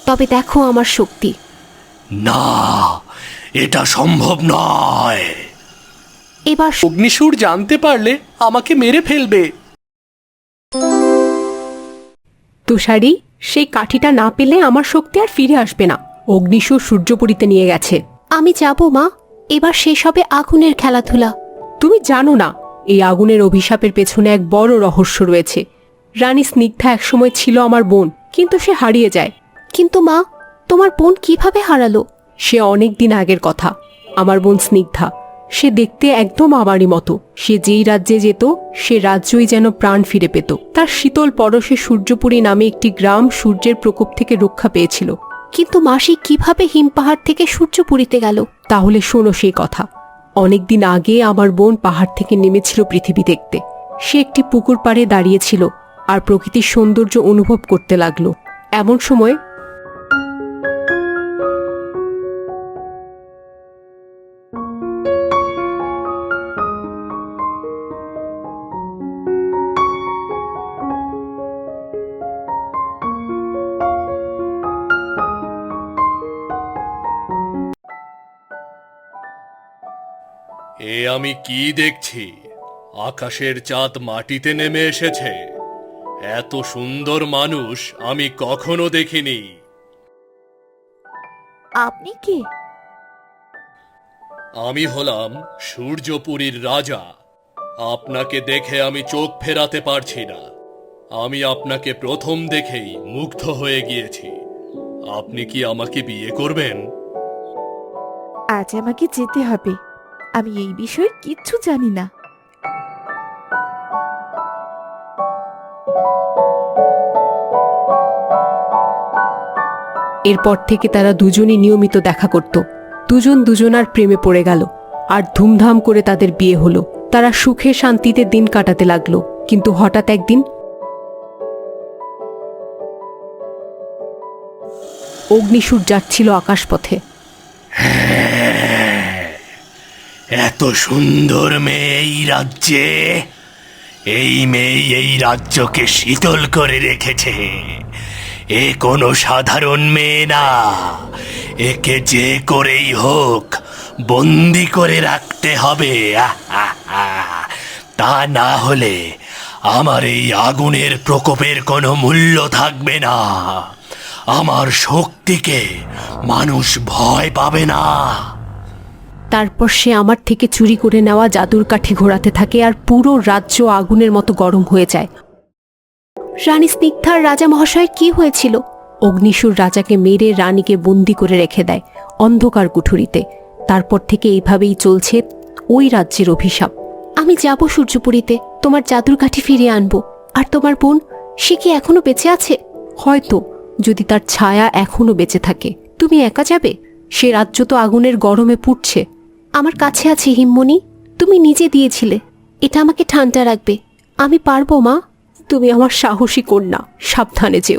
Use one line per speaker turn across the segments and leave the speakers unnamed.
তবে দেখো আমার শক্তি।
না, এটা সম্ভব নয়।
এবার
অগ্নিসুর জানতে পারলে আমাকে মেরে ফেলবে।
তুষারি, সেই কাঠিটা না পেলে আমার শক্তি আর ফিরে আসবে না। অগ্নিসুর সূর্যপুরীতে নিয়ে গেছে।
আমি যাব মা, এবার শেষ হবে আগুনের খেলাধুলা।
তুমি জানো না, এই আগুনের অভিশাপের পেছনে এক বড় রহস্য রয়েছে। রানী স্নিগ্ধা একসময় ছিল আমার বোন, কিন্তু সে হারিয়ে যায়।
কিন্তু মা, তোমার বোন কিভাবে হারালো?
সে অনেক দিন আগের কথা। আমার বোন স্নিগ্ধা, সে দেখতে একদম আমারই মতো। সে যেই রাজ্যে যেত, সে রাজ্যই যেন প্রাণ ফিরে পেত। তার শীতল পরশে সূর্যপুরী নামে একটি গ্রাম সূর্যের প্রকোপ থেকে রক্ষা পেয়েছিল।
কিন্তু মাসি কিভাবে হিমপাহাড় থেকে সূর্যপুরীতে গেল?
তাহলে শোনো সেই কথা। অনেকদিন আগে আমার বোন পাহাড় থেকে নেমেছিল পৃথিবী দেখতে। সে একটি পুকুর পাড়ে দাঁড়িয়েছিল আর প্রকৃতির সৌন্দর্য অনুভব করতে লাগলো। এমন সময়
এ আমি কি দেখছি? আকাশের চাঁদ মাটিতে নেমে এসেছে। এত সুন্দর মানুষ আমি কখনো দেখিনি।
আপনি কে?
আমি হলাম সূর্যপুরীর রাজা। আপনাকে দেখে আমি চোখ ফেরাতে পারছি না। আমি আপনাকে প্রথম দেখেই মুগ্ধ হয়ে গিয়েছি। আপনি কি আমাকে বিয়ে করবেন?
আজ আমাকে যেতে হবে। আমি এই বিষয়ে কিচ্ছু জানি না।
এরপর থেকে তারা দুজনই নিয়মিত দেখা করত। দুজন দুজনার প্রেমে পড়ে গেল আর ধুমধাম করে তাদের বিয়ে হলো। তারা সুখে শান্তিতে দিন কাটাতে লাগলো। কিন্তু হঠাৎ একদিন অগ্নিসুর যাচ্ছিল আকাশপথে।
এত সুন্দর মেয়ে এই রাজ্যে, এই মেয়ে এই রাজ্যকে শীতল করে রেখেছে। এ কোনো সাধারণ মেয়ে না। একে যে করেই হোক বন্দি করে রাখতে হবে। তা না হলে আমার এই আগুনের প্রকোপের কোনো মূল্য থাকবে না। আমার শক্তিকে মানুষ ভয় পাবে না।
তারপর সে আমার থেকে চুরি করে নেওয়া জাদুর কাঠি ঘোরাতে থাকে আর পুরো রাজ্য আগুনের মতো গরম হয়ে যায়।
রানী স্নিগ্ধার রাজা মহাশয়ের কি হয়েছিল?
অগ্নিসুর রাজাকে মেরে রানীকে বন্দি করে রেখে দেয় অন্ধকার কুঠুরিতে। তারপর থেকে এইভাবেই চলছে ওই রাজ্যের অভিশাপ।
আমি যাব সূর্যপুরীতে, তোমার জাদুর কাঠি ফিরিয়ে আনবো। আর তোমার বোন, সে কি এখনো বেঁচে আছে?
হয়তো, যদি তার ছায়া এখনো বেঁচে থাকে। তুমি একা যাবে? সে রাজ্য তো আগুনের গরমে পুড়ছে।
আমার কাছে আছে হিমমণি, তুমি নিজে দিয়েছিলে। এটা আমাকে ঠান্ডা রাখবে। আমি পারবো মা।
তুমি আমার সাহসী কন্যা, সাবধানে যেও।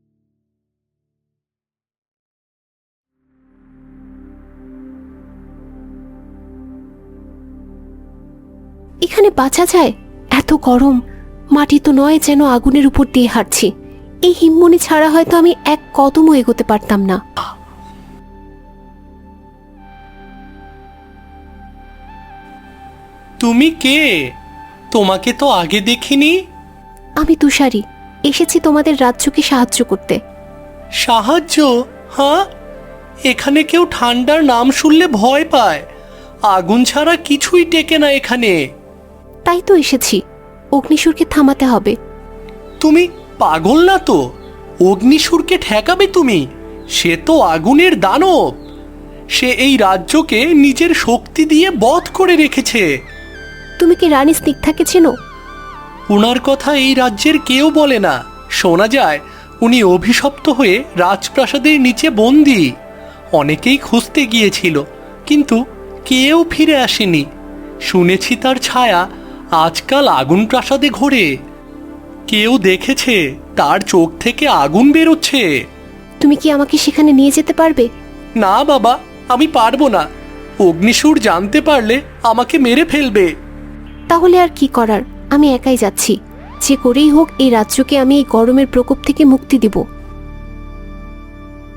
এখানে বাঁচা যায়? এত গরম, মাটি তো নয় যেন আগুনের উপর দিয়ে হাঁটছি। এই হিমমণি ছাড়া হয়তো আমি এক কদমও এগোতে পারতাম না।
তুমি কে? তোমাকে তো আগে দেখিনি।
আমি তুষারি, এসেছি তোমাদের রাজ্যকে সাহায্য করতে।
সাহায্য? হ্যাঁ, এখানে কেউ ঠান্ডার নাম শুনলে ভয় পায়। আগুন ছাড়া কিছুই টেকে না এখানে।
তাই তো এসেছি, অগ্নিসুরকে থামাতে হবে।
তুমি পাগল না তো? অগ্নিসুরকে ঠেকাবে তুমি? সে তো আগুনের দানব। সে এই রাজ্যকে নিজের শক্তি দিয়ে বধ করে রেখেছে।
তুমি কি রানী স্নিগ্ধাকে চেনো?
উনার কথা এই রাজ্যের কেউ বলে না। শোনা যায় উনি অভিশপ্ত হয়ে রাজপ্রাসাদের নিচে বন্দী। অনেকেই খুঁজতে গিয়েছিল, কিন্তু কেউ ফিরে আসেনি। শুনেছি তার ছায়া আজকাল আগুন প্রাসাদে ঘোরে। কেউ দেখেছে তার চোখ থেকে আগুন বেরোচ্ছে।
তুমি কি আমাকে সেখানে নিয়ে যেতে পারবে?
না বাবা, আমি পারবো না। অগ্নিসুর জানতে পারলে আমাকে মেরে ফেলবে।
তাহলে আর কি করার, আমি একাই যাচ্ছি। যে করেই হোক এই রাজ্যকে আমি এই গরমের প্রকোপ থেকে মুক্তি দেব।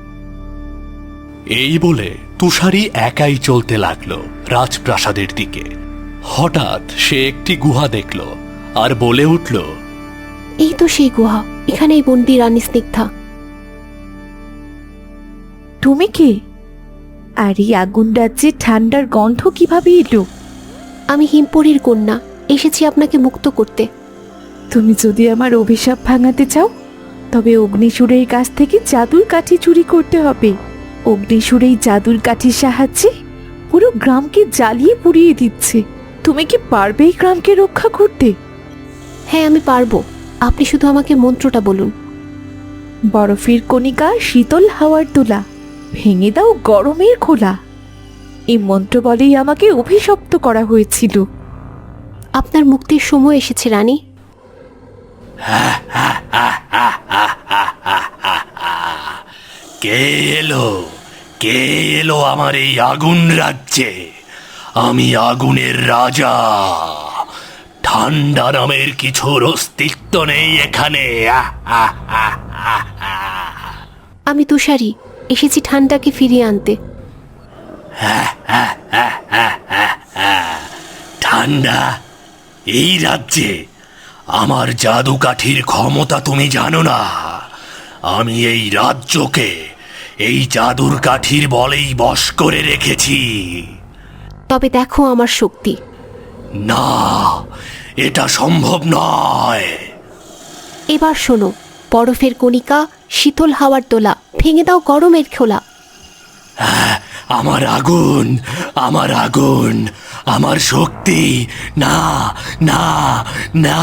এই বলে তুষারি একাই চলতে লাগলো রাজপ্রাসাদের দিকে। হঠাৎ সে একটি গুহা দেখল আর বলে উঠল,
এই তো সেই গুহা, এখানেই বন্দি রানী স্নিগ্ধা।
তুমি কে? আর এই আগুন রাজ্যে ঠান্ডার গন্ধ কিভাবে এলো?
আমি হিমপুরীর কন্যা, এসেছি আপনাকে মুক্ত করতে।
তুমি যদি আমার অভিশাপ ভাঙাতে চাও তবে অগ্নিসুরের কাছ থেকে জাদুর কাঠি চুরি করতে হবে। অগ্নিসুর এই জাদুর কাঠির সাহায্যে পুরো গ্রামকে জ্বালিয়ে পুড়িয়ে দিচ্ছে। তুমি কি পারবে এই গ্রামকে রক্ষা করতে?
হ্যাঁ, আমি পারবো। আপনি শুধু আমাকে মন্ত্রটা বলুন।
বরফের কণিকা শীতল হাওয়ার তোলা, ভেঙে দাও গরমের খোলা। এই মন্ত্র বলেই আমাকে অভিশপ্ত করা হয়েছিল।
আপনার মুক্তির সময় এসেছে রানী।
কে এলো, কে এলো আমার এই আগুন রাজ্যে? আমি আগুনের রাজা। ঠান্ডা নামের কিছুর অস্তিত্ব নেই এখানে।
আমি তুষারি, এসেছি ঠান্ডাকে ফিরিয়ে আনতে।
ঠান্ডা এই রাজ্যে? আমার জাদু কাঠির ক্ষমতা তুমি জানো না। আমি এই রাজ্যকে এই জাদুর কাঠির বলেই বশ করে রেখেছি।
তবে দেখো আমার শক্তি।
না, এটা সম্ভব নয়।
এবার শোনো, বরফের কণিকা শীতল হাওয়ার তোলা, ভেঙে দাও গরমের খোলা।
আমার আগুন, আমার আগুন, আমার শক্তি, না না না।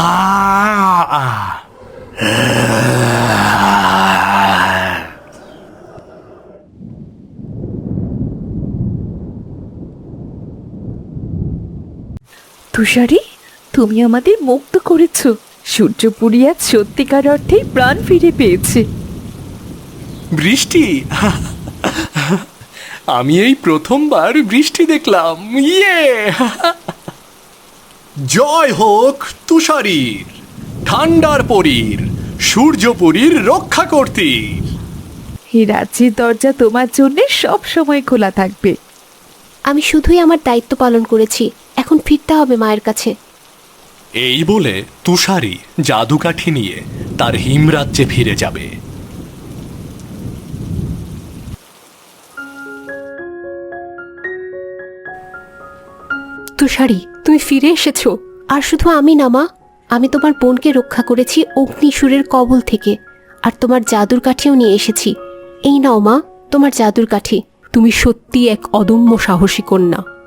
তুষারি, তুমি আমাদের মুক্ত করেছো। সূর্যপুরী আজ সত্যিকার অর্থেই প্রাণ ফিরে পেয়েছে।
বৃষ্টি? আমি এই প্রথমবার বৃষ্টি দেখলাম। ইয়ে! জয় হোক তুষারীর, ঠান্ডার পরীর, সূর্যপুরীর রক্ষা কর্তীর।
এই রাজ্যের দরজা তোমার জন্য সব সময় খোলা থাকবে।
আমি শুধুই আমার দায়িত্ব পালন করেছি, এখন ফিরতে হবে মায়ের কাছে।
এই বলে তুষারি জাদুকাঠি নিয়ে তার হিমরাজ্যে ফিরে যাবে।
তুষারি, তুমি ফিরে এসেছো।
আর শুধু আমি না মা, আমি তোমার বোনকে রক্ষা করেছি অগ্নিসুরের কবল থেকে, আর তোমার জাদুর কাঠিও নিয়ে এসেছি। এই নাও মা, তোমার জাদুর কাঠি।
তুমি সত্যি এক অদম্য সাহসী কন্যা।